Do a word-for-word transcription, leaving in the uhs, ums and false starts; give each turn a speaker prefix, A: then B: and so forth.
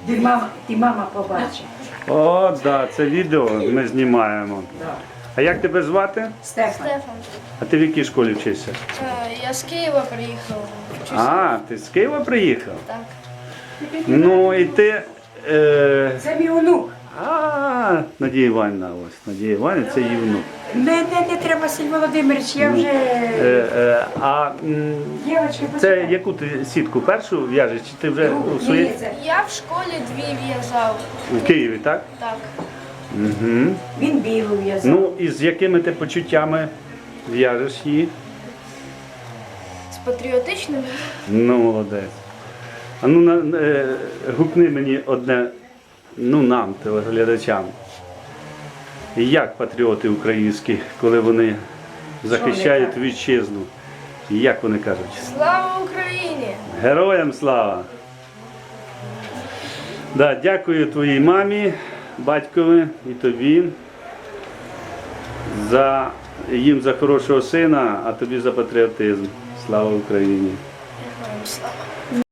A: Ти мама, ти мама побачить.
B: О, так, да, це відео ми знімаємо.
A: Да.
B: А як тебе звати?
A: Стефан.
C: Стефан.
B: А ти в якій школі вчишся?
C: Е, Я з Києва приїхав. Вчуся.
B: А, ти з Києва приїхав?
C: Так.
B: Ну і ти. Е...
A: Це мій онук.
B: А, Надія Іванівна, ось. Надія Іванівна, це її внук.
A: Мене не треба, Василь Володимирович, я вже...
B: Е, е, а м,
A: Дівочки,
B: це яку ти сітку першу в'яжеш? Чи ти вже у своїй
C: Я в школі дві в'язав.
B: у Києві, так?
C: Так.
B: Угу.
A: Він білу в'язав.
B: Ну і з якими ти почуттями в'яжеш її?
C: З патріотичними.
B: Ну, молодець. А ну на, е, гукни мені одне, ну нам, телеглядачам. Як патріоти українські, коли вони захищають
A: кажуть?
B: вітчизну? Як вони кажуть?
C: Слава Україні!
B: Героям слава! Да, дякую твоїй мамі, батькові і тобі за їм за хорошого сина, а тобі за патріотизм. Слава Україні!
C: Героям слава!